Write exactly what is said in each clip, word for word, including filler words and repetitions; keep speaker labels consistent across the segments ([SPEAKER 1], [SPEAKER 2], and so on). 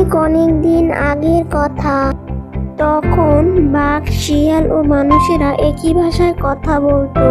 [SPEAKER 1] অনেক অনেক দিন আগের কথা। তখন বাঘ, শিয়াল ও মানুষেরা একই ভাষায় কথা বলতো।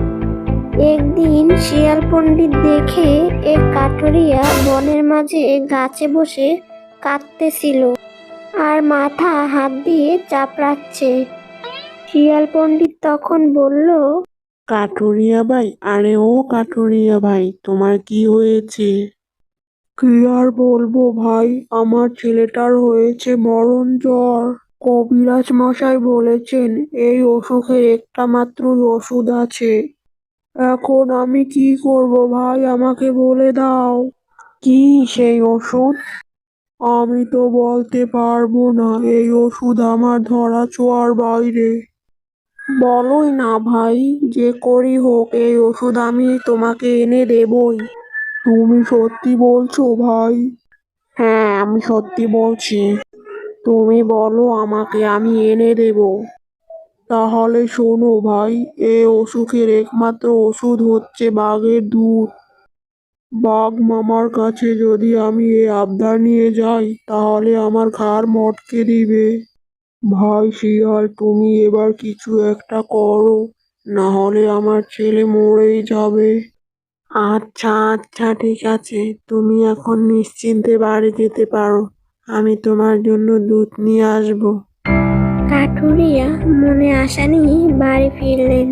[SPEAKER 1] একদিন শিয়াল পণ্ডিত দেখে এক কাঠুরিয়া বনের মাঝে গাছে বসে কাঁদতেছিল আর মাথা হাত দিয়ে চাপড়াচ্ছে। শিয়াল পণ্ডিত তখন বলল,
[SPEAKER 2] কাঠুরিয়া ভাই, আরে ও কাঠুরিয়া ভাই, তোমার কি হয়েছে? কি আর বলবো ভাই, আমার ছেলেটার হয়েছে মরণ জ্বর। কবিরাজ মশাই বলেছেন এই অসুখের একটা মাত্রই ওষুধ আছে। এখন আমি কি করব ভাই, আমাকে বলে দাও। কি সেই ওষুধ? আমি তো বলতে পারবো না, এই ওষুধ আমার ধরা ছোঁয়ার বাইরে। বলোই না ভাই, যে করি হোক এই ওষুধ আমি তোমাকে এনে দেবই। তুমি সত্যি বলছো ভাই? হ্যাঁ, আমি সত্যি বলছি। তুমি বলো আমাকে, আমি এনে দেব। তাহলে শোনো ভাই, এ অসুখের একমাত্র ওষুধ হচ্ছে বাঘের দুধ। বাঘ মামার কাছে যদি আমি এ আবদার নিয়ে যাই তাহলে আমার ঘাড় মটকে দিবে। ভাই শিয়াল, তুমি এবার কিছু একটা করো, না হলে আমার ছেলে মরেই যাবে। আচ্ছা আচ্ছা ঠিক আছে, তুমি এখন নিশ্চিন্তে বাড়ি যেতে পারো। আমি তোমার জন্য দুধ নিয়ে আসবো।
[SPEAKER 1] কাঠুরিয়া মনে আশা নিয়ে বাড়ি ফিরলেন।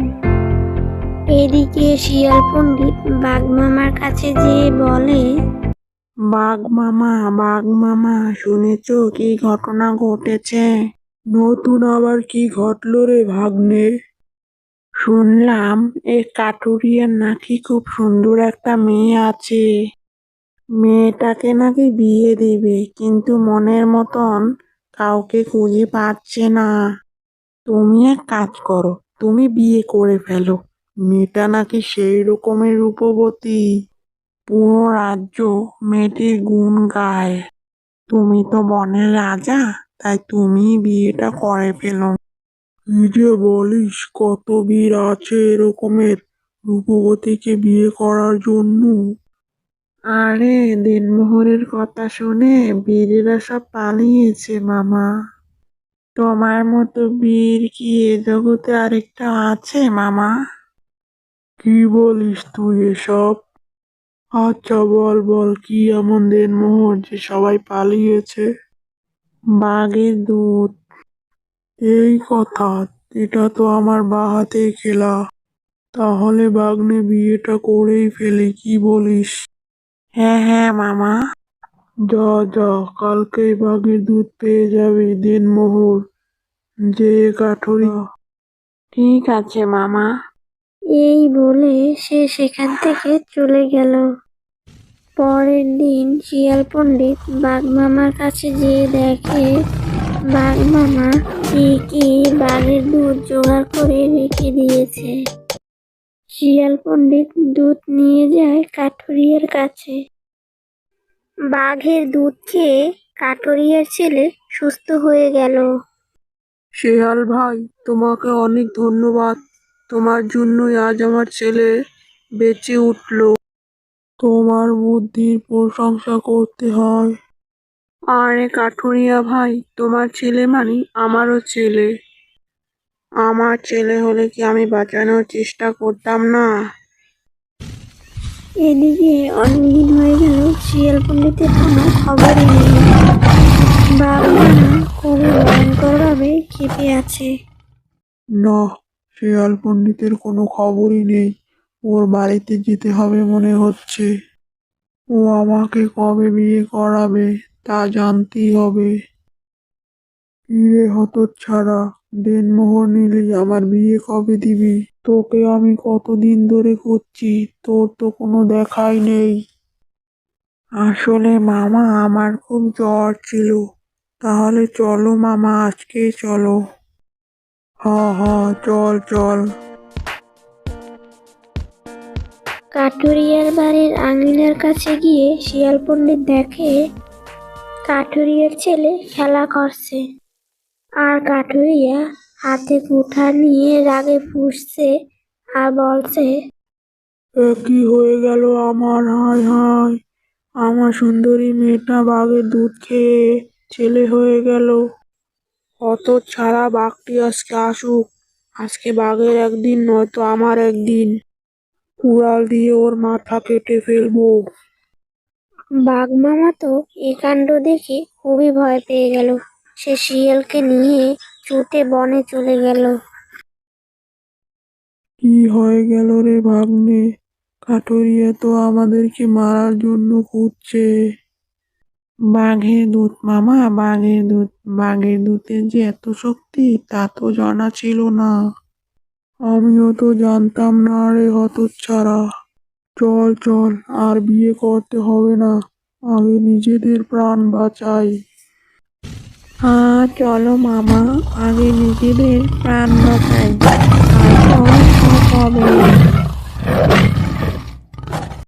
[SPEAKER 1] এদিকে শিয়াল পণ্ডিত বাঘ মামার কাছে যেয়ে বলে,
[SPEAKER 2] বাঘ মামা, বাঘ মামা, শুনেছো কি ঘটনা ঘটেছে? নতুন আবার কি ঘটলো রে ভাগ্নে? শুনলাম এ কাঠুরিয়ার নাকি খুব সুন্দর একটা মেয়ে আছে। মেয়েটাকে নাকি বিয়ে দিবে, কিন্তু মনের মতন কাউকে খুঁজে পাচ্ছে না। তুমি এক কাজ করো, তুমি বিয়ে করে ফেলো। মেয়েটা নাকি সেই রকমের রূপবতী, পুরো রাজ্য মেয়েটির গুণ গায়। তুমি তো বনের রাজা, তাই তুমি বিয়েটা করে ফেলো। কি যে বলিস, কত বীর আছে এরকমের রূপবতীকে বিয়ে করার জন্য। আরে দিনমোহরের কথা শুনে বীরেরা সব পালিয়েছে মামা। তোমার মতো বীর কি এ জগতে আরেকটা আছে মামা? কি বলিস তুই এসব? আচ্ছা বল বল, কি এমন দিনমোহর যে সবাই পালিয়েছে? বাঘের দুধ। এই কথা, এটা তো আমার বাঁ-হাতের খেলা। তাহলে বাগনে বিয়েটা করেই ফেলি, কি বলিস? হ্যাঁ হ্যাঁ মামা। যা যা, কালকেই বাঘের দুধ পেয়ে যাবি দিনমোহর, যে কাঠুরি। ঠিক আছে মামা।
[SPEAKER 1] এই বলে সে সেখান থেকে চলে গেল। পরের দিন শিয়াল পণ্ডিত বাঘ মামার কাছে যেয়ে দেখে বাঘ মামা ঠিকই বাঘের দুধ জোগাড় করে রেখে দিয়েছে। শিয়াল পণ্ডিত দুধ নিয়ে যায় কাঠুরিয়ার কাছে। বাঘের দুধ খেয়ে কাঠুরিয়ার ছেলে সুস্থ হয়ে গেল।
[SPEAKER 2] শেয়াল ভাই, তোমাকে অনেক ধন্যবাদ। তোমার জন্যই আজ আমার ছেলে বেঁচে উঠলো। তোমার বুদ্ধির প্রশংসা করতে হয়। আরে কাঠুরিয়া ভাই, তোমার ছেলে মানে আমারও ছেলে। আমার ছেলে হলে কি আমি বাঁচানোর চেষ্টা করতাম না?
[SPEAKER 1] এদিকে অনেকদিন হয়ে গেল শিয়াল পণ্ডিতের কোনো খবরই নেই। বাঘ মামা খুবই ভয়ঙ্কর ভাবে খেপে আছে।
[SPEAKER 2] না, শেয়াল পণ্ডিতের কোনো খবরই নেই। ওর বাড়িতে যেতে হবে মনে হচ্ছে। ও আমাকে কবে বিয়ে করাবে তা জানতেই হবে। কিরে হতচ্ছাড়া, দেনমোহর নিলি, আমার বিয়ে কবে দিবি? তোকে আমি কতদিন ধরে খুঁজছি, তোর তো কোনো দেখাই নেই। আসলে মামা, আমার খুব জ্বর ছিল। তাহলে চলো মামা, আজকেই চলো। হা হা, চল চল।
[SPEAKER 1] কাঠুরিয়ার বাড়ির আঙিনার কাছে গিয়ে শিয়াল পণ্ডিত দেখে কাঠুরিয়ার ছেলে খেলা করছে, আর কাঠুরিয়া হাতে কুঠার নিয়ে রাগে ফুঁসছে আর বলছে,
[SPEAKER 2] এ কি হয়ে গেল আমার? হায় হায়, আমার সুন্দরী মেয়েটা বাঘের দুধ খেয়ে ছেলে হয়ে গেল। অত ছাড়া বাঘটি আজকে আসুক। আজকে বাঘের একদিন নয়তো আমার একদিন। কুড়াল দিয়ে ওর মাথা কেটে ফেলবো।
[SPEAKER 1] বাঘ মামা তো এই কাণ্ড দেখে খুবই ভয় পেয়ে গেল। সে শিয়ালকে নিয়ে ছুটে বনে চলে গেল।
[SPEAKER 2] কি হয়ে গেল রে ভাগ্নে? কাঠুরিয়া তো আমাদেরকে মারার জন্য খুঁজছে। বাঘের দুধ মামা, বাঘের দুধ। বাঘের দুধের যে এত শক্তি তা তো জানা ছিল না। আমিও তো জানতাম না রে হতচ্ছাড়া। চল চল, আর বিয়ে করতে হবে না, আগে নিজেদের প্রাণ বাঁচাই। হ্যাঁ চলো মামা, আগে নিজেদের প্রাণ বাঁচাই, তারপর সব হবে।